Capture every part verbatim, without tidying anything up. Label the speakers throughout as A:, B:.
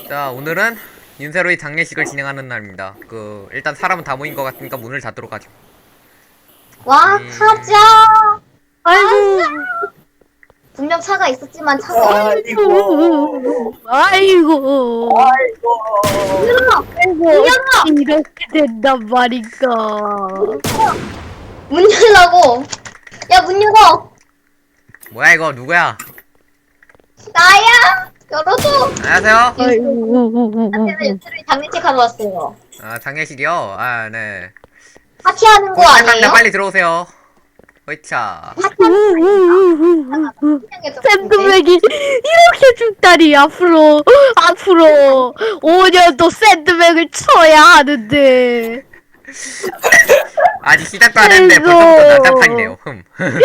A: 자, 오늘은 윤세로의 장례식을 진행하는 날입니다. 그 일단 사람은 다 모인 것 같으니까 문을 닫도록 하죠.
B: 와,
A: 음.
B: 타자!
C: 아이고,
B: 분명 차가 있었지만 차가
C: 아이고, 아이고,
B: 열어!
C: 아이고, 이렇게 된단 말인가.
B: 문 열라고! 야, 문 열어!
A: 뭐야 이거 누구야?
B: 나야! 열어줘!
A: 안녕하세요.
C: 아이고,
B: 나는 유튜브에 장례식 하러 왔어요.
A: 아, 장례식이요? 아, 네.
B: 파티하는 거
A: 곧 시작합니다.
B: 아니에요?
A: 빨리 들어오세요. 허이차.
C: 샌드백이 이렇게 죽다니. 앞으로 앞으로 오 년도 샌드백을 쳐야 하는데.
A: 아직 시작도 안 했는데
C: 아이고.
A: 벌써부터 난장판이네요. 흠.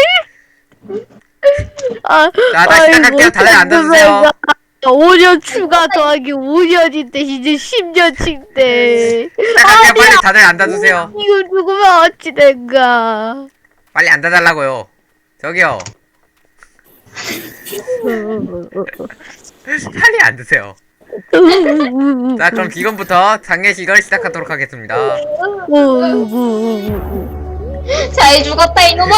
C: 아,
A: 자, 다시 시작할게요. 다들 앉아주세요.
C: 오 년 추가 더하기 오 년인데 이제 십 년치인데.
A: 시작할게요. 빨리 다들 앉아주세요.
C: 이거 누구면 어찌 된가.
A: 빨리 앉아달라고요. 저기요. 빨리 앉으세요. 자, 그럼 지금부터 장례식을 시작하도록 하겠습니다.
B: 잘 죽었다, 이놈아!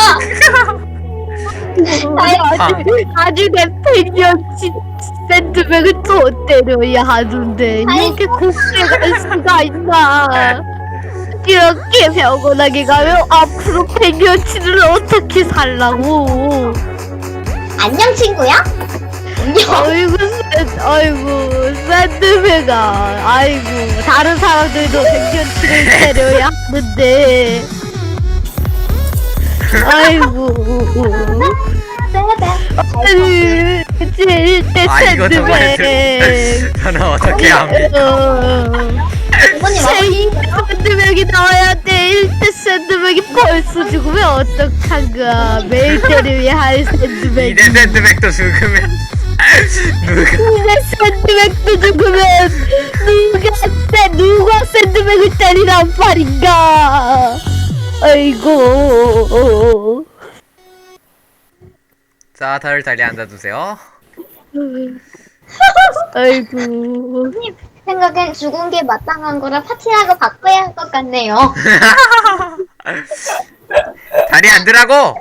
C: 아주, 아주 내 팽년치 샌드백을 또 때려야 하는데 이렇게 곱게 갈 수가 있나. 이렇게 병원하게 가면 앞으로 팽년치를 어떻게 살라고.
B: 안녕, 친구야? 안녕.
C: 아이고 샌, 아이고 샌드백아. 아이고 다른 사람들도 팽년치를 때려야 하는데. 아이고 아니 제일 때
A: 아, 이거 정말
C: 샌드백.
A: 저는 어떻게 합니까?
B: 부모님 와서
C: 제이 샌드백이 나와야 돼. 일 대 샌드백이 벌써 죽으면 어떡한가. 매일 때려야 할 샌드백.
A: 이대 샌드백도 죽으면 누가
C: 이대 샌드백도 죽으면 누가 샌 누가 샌드백을 때리란 말인가. 아이고.
A: 자, 다들 자리에 앉아주세요.
C: 아이고.
B: 생각엔 죽은 게 마땅한 거라 파티하고 바꿔야 할 것 같네요.
A: 자리에 앉으라고!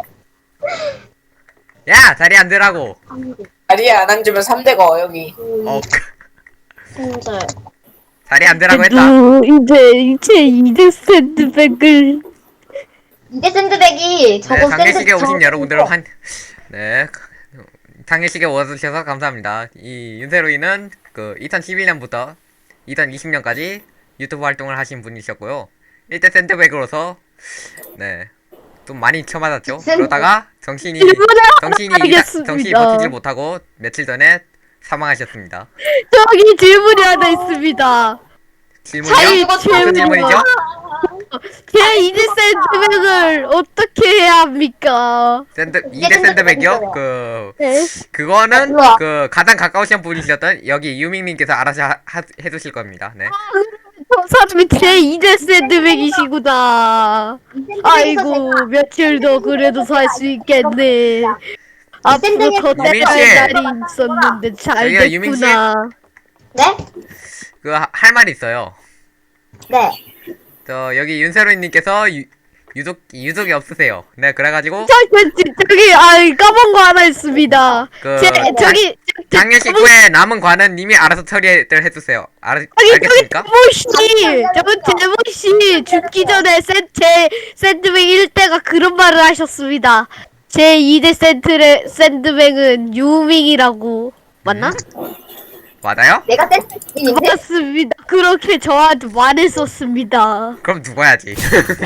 A: 야, 자리에 앉으라고!
D: 자리에 안 앉으면 삼 대가 여기.
A: 어,
B: 진짜.
A: 자리에 앉으라고 했다.
C: 너 이제 이제 이대 샌드백을.
B: 이대 샌드백이
A: 네,
B: 저거
A: 장례식에
B: 샌드
A: 오신
B: 저-
A: 여러분들 환, 네, 장례식에 오셔서 감사합니다. 이 윤세로이는 그 이천십일 년부터 이천이십 년까지 유튜브 활동을 하신 분이셨고요. 일 대 샌드백으로서 네, 좀 많이 쳐맞았죠. 그러다가 정신이 정신이
C: 알겠습니다.
A: 정신이 버티질 못하고 며칠 전에 사망하셨습니다.
C: 저기 질문이 하나 있습니다.
A: 질문이요?
C: 자기
A: 무슨
C: 질문.
A: 질문이죠?
C: 제 이대 샌드백을 어떻게 해야 합니까?
A: 샌드 이 대 샌드백이요? 그
C: 네.
A: 그거는
B: 우와.
A: 그 가장 가까우신 분이셨던 여기 유밍님께서 알아서 하, 하, 해주실 겁니다. 네.
C: 저 사람이 제 이대 샌드백이시구나. 아이고 며칠 더 그래도 살 수 있겠네. 앞으로 더
A: 유민 씨.
C: 때릴 날이 있었는데 잘
A: 저기요, 유민 씨.
C: 됐구나.
B: 네?
A: 그 할 말이 있어요.
B: 네.
A: 저 여기 윤세로님께서 유, 유족 유족이 없으세요. 네, 그래가지고
C: 저, 저, 저, 저기 아 까먹은 거 하나 있습니다.
A: 그
C: 제 저기 저-
A: 장례식
C: 저기-
A: 후에 남은 관은 님이 알아서 처리를 해주세요. 알
C: 저기 저기
A: 알겠습니까?
C: 제모씨 저기 제모씨 죽기 전에 샌, 제 샌드백 일 대가 그런 말을 하셨습니다. 제 이 대 샌드레, 샌드백은 유밍이라고 맞나?
A: 맞아요?
B: 내가 샌드백인데?
C: 맞습니다. 그렇게 저한테 말했었습니다.
A: 그럼 죽어야지.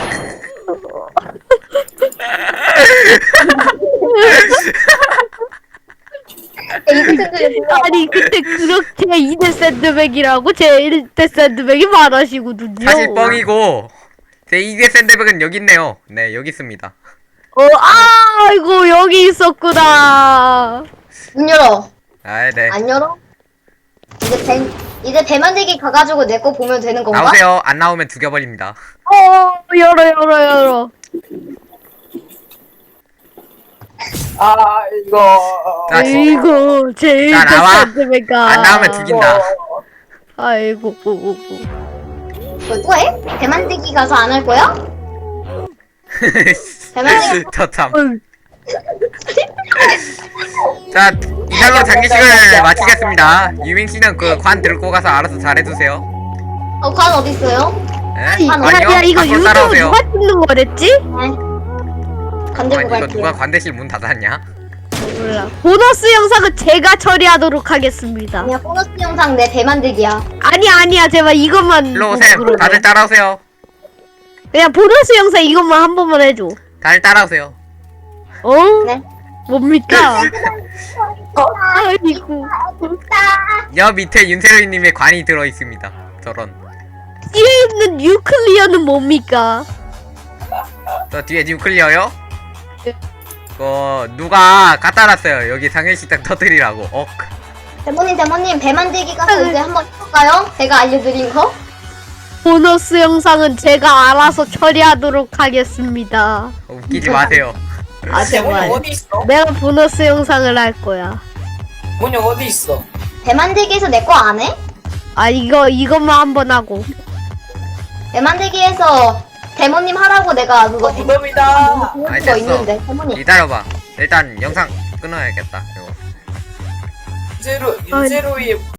B: 이대 샌드백
C: 아니 근데 그렇게 이 대 샌드백이라고 제 일 대 샌드백이 말하시거든요.
A: 사실 뻥이고 제 이 대 샌드백은 여기 있네요. 네, 여기 있습니다.
C: 어, 아이고 여기 있었구나.
B: 문 열어.
A: 아, 네.
B: 안 열어? 이제 배 이제 배 만들기 가가지고 내 거 보면 되는 건가?
A: 나오세요. 안 나오면 죽여버립니다.
C: 어 열어 열어 열어.
D: 아 이거.
A: 자, 지-
C: 이거 제일
A: 자, 나와.
C: 샌드백아.
A: 안 나오면 죽인다.
C: 아이고.
B: 뭐 또 해? 배 만들기 가서 안 할 거야? 배 만들기
A: 저참.
C: 어휴,
A: 자, 이걸로 장기식을 마치겠습니다. 유민 씨는 그 관 들고 가서 알아서 잘해주세요.
B: 어, 관 어디 있어요?
A: 네?
B: 관
A: 관이요?
C: 야, 이거
A: 밖으로
C: 유튜브
A: 따라오세요.
C: 누가 찍는 거랬지?
B: 네. 관 들고
A: 아니, 이거
B: 갈게요.
A: 누가 관대실 문 닫았냐?
C: 몰라. 보너스 영상은 제가 처리하도록 하겠습니다.
B: 그냥 보너스 영상 내 배 만들기야.
C: 아니 아니야, 제발 이것만.
A: 일로
C: 보고
A: 오세요.
C: 그러네.
A: 다들 따라오세요.
C: 그냥 보너스 영상 이것만 한 번만 해줘.
A: 다들 따라오세요.
C: 어?
B: 네.
C: 뭡니까? 아이고.
A: 여 밑에 윤세로이님의 관이 들어있습니다. 저런.
C: 뒤에 있는 뉴클리어는 뭡니까?
A: 저 뒤에 뉴클리어요? 그 누가 갖다 놨어요. 여기 상해식당 터뜨리라고. 억.
B: 대모님, 대모님, 배 만들기 가서 이제 한번 해볼까요? 제가 알려드린 거?
C: 보너스 영상은 제가 알아서 처리하도록 하겠습니다.
A: 웃기지 마세요.
C: 아
D: 대문이
C: 제발.
D: 어디 있어?
C: 내가 보너스 영상을 할 거야.
D: 대문이 어디 있어?
B: 배 만들기에서 내 거 안 해?
C: 아 이거 이것만 한 번 하고.
B: 배 만들기에서 대모님 하라고 내가 그거 대-
D: 무덤이다.
B: 그거
A: 아이, 됐어.
B: 있는데, 대모님.
A: 기다려봐. 일단 영상 끊어야겠다. 이거.
D: 윤세로 윤세로의